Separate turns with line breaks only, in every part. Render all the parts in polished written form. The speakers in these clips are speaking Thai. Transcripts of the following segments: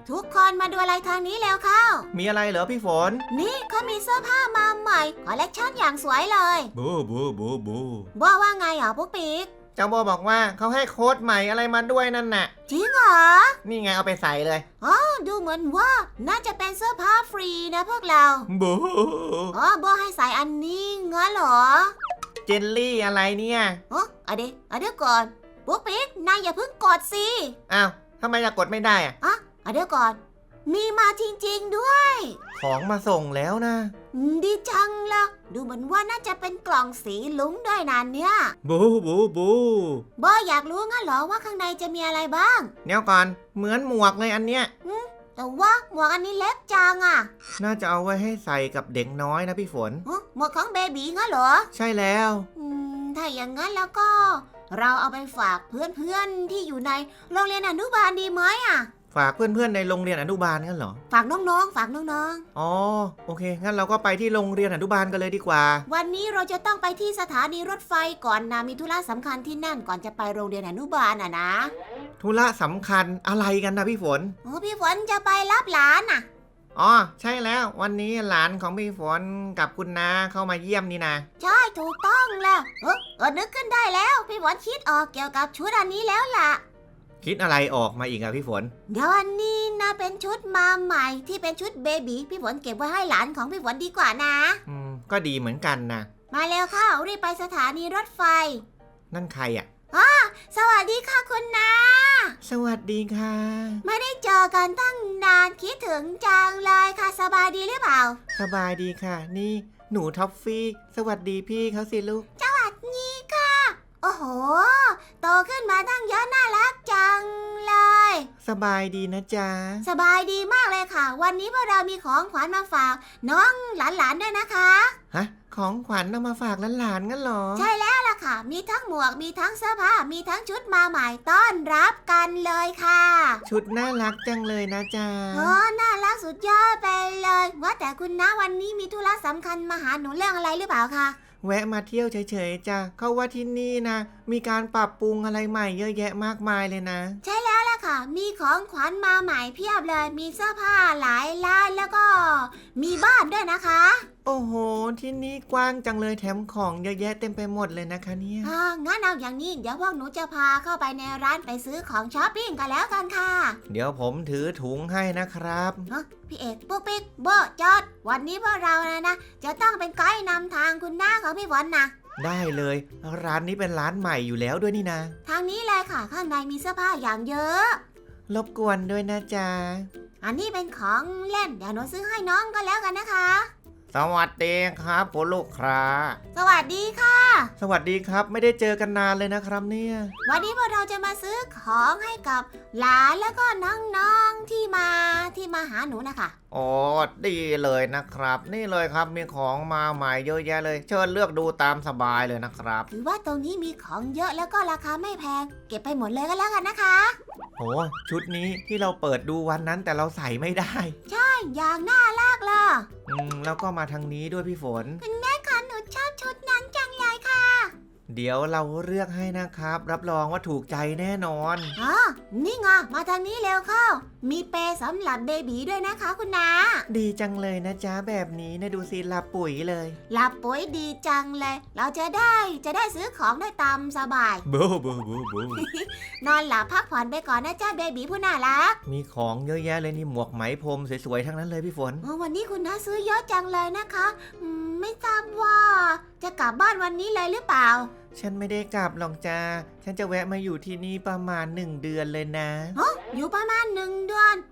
ทุกคนมาดูอะไรทางนี้แล้วเข้า
มีอะไรเหรอพี่ฝน
นี่เขามีเสื้อผ้ามาใหม่คอลเลกชันอย่างสวยเลย
บูบูบูบู
ว่าไงเหรอปุ๊กปิ๊ก
เจ้าโบบอกว่าเขาให้โค้ดใหม่อะไรมาด้วยนั่นน่ะ
จริงเหรอ
นี่ไงเอาไปใส่เลย
อ๋อดูเหมือนว่าน่าจะเป็นเสื้อผ้าฟรีนะพวกเรา
บู
อ๋อโบให้ใส่อันนี้งั้นเหรอ
เจลลี่อะไรเนี่ย
อ๋อเดี๋ยวก่อนปุ๊กปิ๊กนายอย่าเพิ่งกดสิ
อ้าวทำไมจะกดไม่ได้
อ่ะเดี๋ยวก่อนมีมาจริงๆด้วย
ของมาส่งแล้วนะ
ดีจังละดูเหมือนว่าน่าจะเป็นกล่องสีลุ้งด้วยนะเนี่ย
บูบูบู
บออยากรู้งั้นเหรอว่าข้างในจะมีอะไรบ้าง
เดี๋ยวก่อนเหมือนหมวกเลยอันเนี้ย
แต่ว่าหมวกอันนี้เล็กจังอ่ะ
น่าจะเอาไว้ให้ใส่กับเด็กน้อยนะพี่ฝน
หมวกของเบบีงั้นเหรอ
ใช่แล้ว
ถ้าอย่างนั้นแล้วก็เราเอาไปฝากเพื่อนๆที่อยู่ในโรงเรียนอนุบาลดีไหมอ่ะ
ฝากเพื่อนๆในโรงเรียนอนุบาลกันเหรอ
ฝากน้องๆฝากน้อง
ๆอ๋อโอเคงั้นเราก็ไปที่โรงเรียนอนุบาลกันเลยดีกว่า
วันนี้เราจะต้องไปที่สถานีรถไฟก่อนนะมีธุระสำคัญที่นั่นก่อนจะไปโรงเรียนอนุบาลนะ
ธุระสำคัญอะไรกันนะพี่ฝน
พี่ฝนจะไปรับหลานน่ะ
อ๋อใช่แล้ววันนี้หลานของพี่ฝนกับคุณน้าเข้ามาเยี่ยมนี่นะ
ใช่ถูกต้องแล้วนึกขึ้นได้แล้วพี่ฝนคิดออกเกี่ยวกับชุดอันนี้แล้วล่ะ
คิดอะไรออกมาอีกอะพี่ฝน
เดี๋ยวอันนี้นะเป็นชุดมาใหม่ที่เป็นชุดเบบีพี่ฝนเก็บไว้ให้หลานของพี่ฝนดีกว่านะ
ก็ดีเหมือนกันนะ
มาเร็วเข้ารีบไปสถานีรถไฟ
นั่นใครอะ
สวัสดีค่ะคุณน้า
สวัสดีค่ะ
ไม่ได้เจอกันตั้งนานคิดถึงจังเลยค่ะสบายดีหรือเปล่า
สบายดีค่ะนี่หนูท็อฟฟี่สวัสดีพี่เขาสิลูก
สวัสดีค่ะโอ้โหโตขึ้นมาตั้งเยอะน่ารักจังเลย
สบายดีนะจ๊ะ
สบายดีมากเลยค่ะวันนี้พวกเรามีของขวัญมาฝากน้องหลานๆด้วยนะคะ
ฮะของขวัญเอามาฝากหลานๆงั้นเหรอ
ใช่แล้วล่ะค่ะมีทั้งหมวกมีทั้งเสื้อผ้ามีทั้งชุดมาใหม่ต้อนรับกันเลยค่ะ
ชุดน่ารักจังเลยนะจ๊ะ
น่ารักสุดยอดไปเลยว่าแต่คุณน้าวันนี้มีธุระสำคัญมาหาหนูเรื่องอะไรหรือเปล่าคะ
แวะมาเที่ยวเฉยๆจ้ะเขาว่าที่นี่นะมีการปรับปรุงอะไรใหม่เยอะแยะมากมายเลยนะ
ใช่แล้วล่ะค่ะมีของขวัญมาใหม่เพียบเลยมีเสื้อผ้าหลายร้านแล้วก็มีบ้านด้วยนะคะ
โอ้โหที่นี่กว้างจังเลยแถมของเยอะแยะเต็มไปหมดเลยนะคะเนี่ย
งั้นเอาอย่างนี้เดี๋ยวพวกหนูจะพาเข้าไปในร้านไปซื้อของช้อปปิ้งกันแล้วกันค่ะ
เดี๋ยวผมถือถุงให้นะครับ
พี่เอกปุ๊กปิ๊กโบจอดวันนี้พวกเรานะจะต้องเป็นไกด์นำทางคุณน้าของพี่ฝนนะ
ได้เลยร้านนี้เป็นร้านใหม่อยู่แล้วด้วยนี่นะ
ทางนี้เลยค่ะข้างในมีเสื้อผ้าอย่างเยอะ
รบกวนด้วยนะจ๊ะ
อันนี้เป็นของเล่นเดี๋ยวหนูซื้อให้น้องก็แล้วกันนะคะ
สวัสดีครับคุณลูกค้า
สวัสดีค่ะ
สวัสดีครับไม่ได้เจอกันนานเลยนะครับเนี่ย
วันนี้พวกเราจะมาซื้อของให้กับหลานแล้วก็น้องๆที่มาหาหนูนะคะ
โอ้ดีเลยนะครับนี่เลยครับมีของมาใหม่เยอะแยะเลยเชิญเลือกดูตามสบายเลยนะครับ
ถือว่าตรงนี้มีของเยอะแล้วก็ราคาไม่แพงเก็บไปหมดเลยก็แล้วกันนะคะ
โอ้ชุดนี้ที่เราเปิดดูวันนั้นแต่เราใส่ไม่ได้
ใช่อย่างน่ารักเลย
แล้วก็มาทางนี้ด้วยพี่ฝน
คุณแม่คะหนูชอบชุดนั้นจังเลยค่ะ
เดี๋ยวเราเลือกให้นะครับรับรองว่าถูกใจแน่นอน
นี่ไงมาทางนี้เร็วเข้ามีเปสำหรับเบบีด้วยนะคะคุณน้า
ดีจังเลยนะจ๊ะแบบนี้นะดูสิหลับปุ๋ยเลย
หลับปุ๋ยดีจังเลยเราจะได้ซื้อของได้ตามสบาย
บูบูบูบู
นอนหลับพักผ่อนไปก่อนนะจ๊ะเบบีผู้น่ารัก
มีของเยอะแยะเลยนี่หมวกไหมพรมสวยๆทั้งนั้นเลยพี่ฝน
วันนี้คุณน้าซื้อเยอะจังเลยนะคะไม่ทราบว่าจะกลับบ้านวันนี้เลยหรือเปล่า
ฉันไม่ได้กลับหรอกจ้าฉันจะแวะมาอยู่ที่นี่ประมาณ1 เดือนเลยนะ
อยู่ประมาณ1 เดือน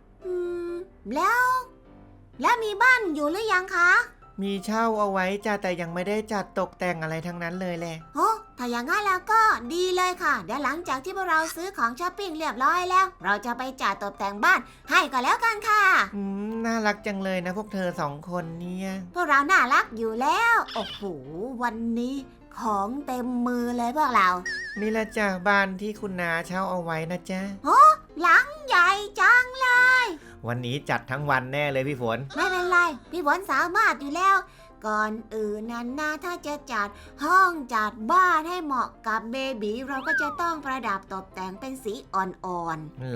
แล้วมีบ้านอยู่หรือยังคะ
มีเช่าเอาไว้จ้าแต่ยังไม่ได้จัดตกแต่งอะไรทั้งนั้นเลยแหละ
ถ้าอย่างงั้นแล้วก็ดีเลยค่ะเดี๋ยวหลังจากที่พวกเราซื้อของช้อปปิ้งเรียบร้อยแล้วเราจะไปจัดตกแต่งบ้านให้ก็แล้วกันค่ะ
น่ารักจังเลยนะพวกเธอ2 คนเนี่ย
พวกเราน่ารักอยู่แล้วโอ้โหวันนี้ของเต็มมือเลยพวกเรา
นี่แหละจ้ะบ้านที่คุณนาเช่าเอาไว้นะจ๊ะ
หลังใหญ่จังเลย
วันนี้จัดทั้งวันแน่เลยพี่ฝน
ไม่เป็นไรพี่ฝนสามารถอยู่แล้วก่อนอื่นนั้นนะถ้าจะจัดห้องจัดบ้านให้เหมาะกับเบบีเราก็จะต้องประดับตกแต่งเป็นสีอ่อน
ๆเหรอ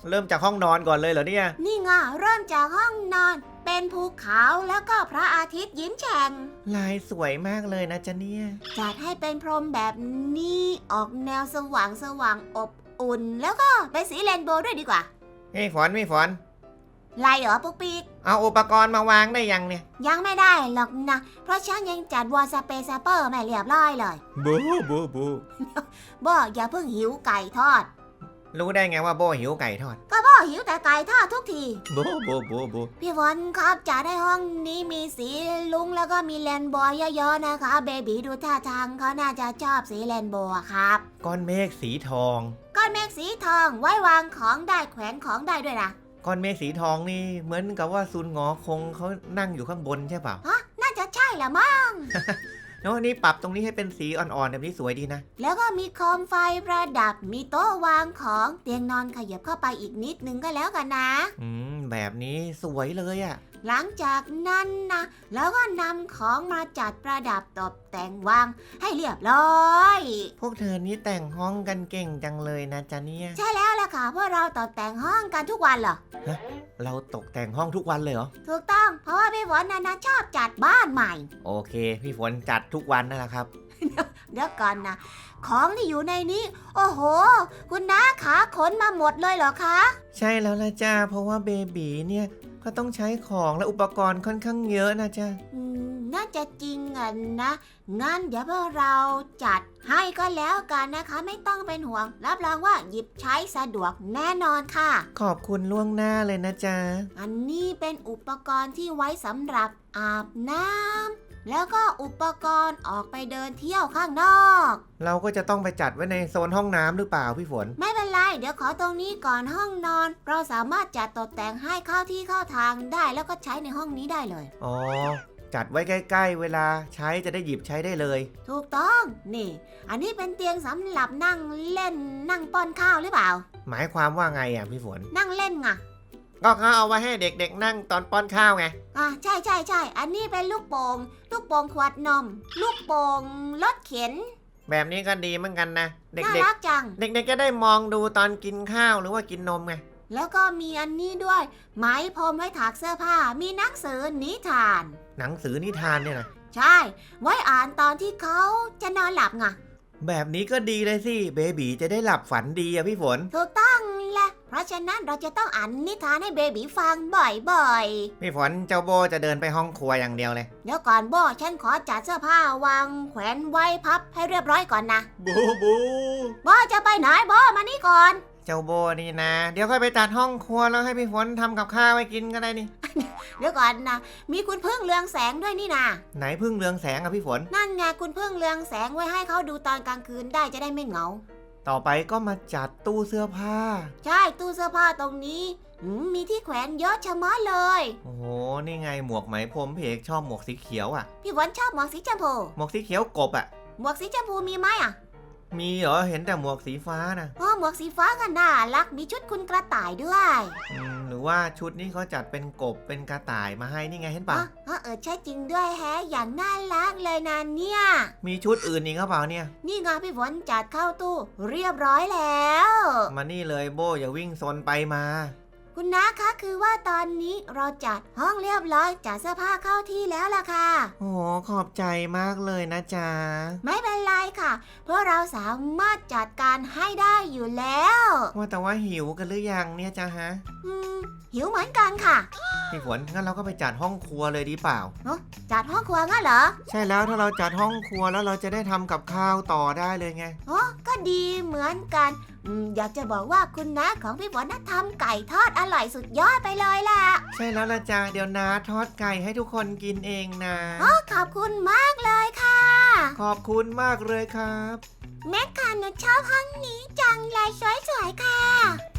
เริ่มจากห้องนอนก่อนเลยเหรอเนี่ย
นี่ไงเริ่มจากห้องนอน เป็นภูเขาแล้วก็พระอาทิตย์ยิ้มแฉ่ง
ลายสวยมากเลยนะจ๊ะเนี่ย
จัดให้เป็นพรมแบบนี้ออกแนวสว่างสว่างอบอุ่น แล้วก็เป็นสีเรนโบว์ด้วยดีกว่า
พี่ฝน
ไรเหรอปุ๊กปิ๊ก
เอาอุปกรณ์มาวางได้ยังเนี่ย
ยังไม่ได้หรอกนะ เพราะฉันยังจัดวอลสเปซเปอร์ไม่เรียบร้อยเลย
บูบู
บอกอย่าเพิ่งหิวไก่ทอด
รู้ได้ไงว่าโบหิวไก่ทอด
ก็บอกหิวแต่ไก่ทอดทุกที
บู
พี่ฝนครับจัดให้ห้องนี้มีสีลุงแล้วก็มีเรนโบว์เยอะๆนะคะเบบีดูท่าทางเขาน่าจะชอบสีเรนโบว์อะครับ
ก้อนเมฆสีทอง
ก้อนเมฆสีทองไว้วางของได้แขวนของได้ด้วยนะ
ก้อนเมฆสีทองนี่เหมือนกับว่าซุนหงอคงเขานั่งอยู่ข้างบนใช่เปล่า
ฮะน่าจะใช่ละมั้ง
แล้วนี่ปรับตรงนี้ให้เป็นสีอ่อนๆแบบนี้สวยดีนะ
แล้วก็มีโคมไฟประดับมีโต๊ะวางของเตียงนอนขยับเข้าไปอีกนิดนึงก็แล้วกันนะ
แบบนี้สวยเลยอะ
หลังจากนั้นนะแล้วก็นำของมาจัดประดับตกแต่งวางให้เรียบร้อย
พวกเธอนี่แต่งห้องกันเก่งจังเลยนะจ๊ะเนี่ย
ใช่แล้วล่ะค่ะเพราะเราตกแต่งห้องกันทุกวันเหรอ
เราตกแต่งห้องทุกวันเลยเหรอ
ถูกต้องเพราะว่าพี่ฝนนะชอบจัดบ้านใหม่
โอเค พี่ฝนจัดทุกวันนั่นแหละครับ
เดี๋ยวก่อนนะของที่อยู่ในนี้ โอ้โห คุณน้าขาขนมาหมดเลยเหรอคะ
ใช่แล้วละจ้าเพราะว่าเบบีเนี่ยก็ต้องใช้ของและอุปกรณ์ค่อนข้างเยอะนะจ๊ะ
น่าจะจริงอ่ะนะงั้นเดี๋ยวพวกเราจัดให้ก็แล้วกันนะคะ ไม่ต้องเป็นห่วง รับรองว่าหยิบใช้สะดวกแน่นอนค่ะ
ขอบคุณล่วงหน้าเลยนะจ๊ะ
อันนี้เป็นอุปกรณ์ที่ไว้สำหรับอาบน้ำแล้วก็อุปกรณ์ออกไปเดินเที่ยวข้างนอก
เราก็จะต้องไปจัดไว้ในโซนห้องน้ำหรือเปล่าพี่ฝน
ไม่เป็นไร เดี๋ยวขอตรงนี้ก่อนห้องนอน เราสามารถจัดตกแต่งให้เข้าที่เข้าทางได้แล้วก็ใช้ในห้องนี้ได้เลย
อ๋อ จัดไว้ใกล้ๆเวลาใช้จะได้หยิบใช้ได้เลย
ถูกต้อง นี่ อันนี้เป็นเตียงสำหรับนั่งเล่นนั่งป้อนข้าวหรือเปล่า
หมายความว่าไงอ่ะพี่ฝน
นั่งเล่นไง
ก็เขาเอาไว้ให้เด็กๆนั่งตอนป้อนข้าวไง
ใช่ใช่ใช่อันนี้เป็นลูกโป่งขวดนม ลูกโป่งรถเข็น
แบบนี้ก็ดีเหมือนกันนะ เด็
น่าก รักจัง
ๆ เด็กๆจะได้มองดูตอนกินข้าวหรือว่ากินนมไง
แล้วก็มีอันนี้ด้วย ไหมพรมไว้ถากเสื้อผ้า มีหนังสือนิทาน
หนังสือนิทานเนี่ยนะ
ใช่ ไว้อ่านตอนที่เขาจะนอนหลับไง
แบบนี้ก็ดีเลยสิเบบีจะได้หลับฝันดีอะพี่ฝน
ถูกต้องแหละ เพราะฉะนั้นเราจะต้องอ่านนิทานให้เบบีฟังบ่อยๆ
พี่ฝนเจ้าโบจะเดินไปห้องครัวอย่างเดียวเลย
เดี๋ยวก่อนโบฉันขอจัดเสื้อผ้าวางแขวนไว้พับให้เรียบร้อยก่อนนะ
บู
โบจะไปไหนโบมานี่ก่อน
เจ้าโบนี่นะ เดี๋ยวค่อยไปจัดห้องครัวแล้วให้พี่ฝนทำกับข้าวให้กินก็ได้นี่
เดี๋ยวก่อนนะมีคุณพึ่งเรืองแสงด้วยนี่นะ
ไหนพึ่งเรืองแสงอะพี่ฝน
นั่นไงคุณพึ่งเรืองแสงไว้ให้เขาดูตอนกลางคืนได้จะได้ไม่เหงา
ต่อไปก็มาจัดตู้เสื้อผ้า
ใช่ตู้เสื้อผ้าตรงนี้มีที่แขวนเยอะชะมัดเลย
โอ้โห นี่ไงหมวกไหมพรมพี่เอกชอบหมวกสีเขียวอะ
พี่ฝนชอบหมวกสีชมพู
หมวกสีเขียวกบอะ
หมวกสีชมพูมีไหมอ่ะ
มีเหรอ เห็นแต่หมวกสีฟ้านะ
หมวกสีฟ้าก็น่ารักมีชุดคุณกระต่ายด้วย
หรือว่าชุดนี้เขาจัดเป็นกบเป็นกระต่ายมาให้นี่ไงเห็นปะ
ใช่จริงด้วยแฮะอย่างน่ารักเลยนะเนี่ย
มีชุดอื่นอีกหรือเปล่าเนี่ย
นี่ไงพี่ฝนจัดเข้าตู้เรียบร้อยแล้ว
มานี่เลยโบอย่าวิ่งซนไปมา
คุณน้าคะคือว่าตอนนี้เราจัดห้องเรียบร้อยจัดเสื้อผ้าเข้าที่แล้วล่ะค่ะ
โอ้โหขอบใจมากเลยนะจ๊ะ
ไม่เป็นไรค่ะ เพราะเราสามารถจัดการให้ได้อยู่แล้ว
ว่าแต่ว่าหิวกันหรือยังเนี่ยจ๊ะฮะ
หิวเหมือนกันค่ะ
พี่ฝนงั้นเราก็ไปจัดห้องครัวเลยดีเปล่า
จัดห้องครัวงั้นเหรอ
ใช่แล้วถ้าเราจัดห้องครัวแล้วเราจะได้ทำกับข้าวต่อได้เลยไง
ก็ดีเหมือนกันอยากจะบอกว่าคุณน้าของพี่ฝนน่ะทำไก่ทอดอร่อยสุดยอดไปเลยล่ะ
ใช่แล้วละจ้าเดี๋ยวนาทอดไก่ให้ทุกคนกินเองนะ
ขอบคุณมากเลยค่ะ
ขอบคุณมากเลยครับ
แม่ค่ะหนูชอบห้องนี้จังเลยสวยๆค่ะ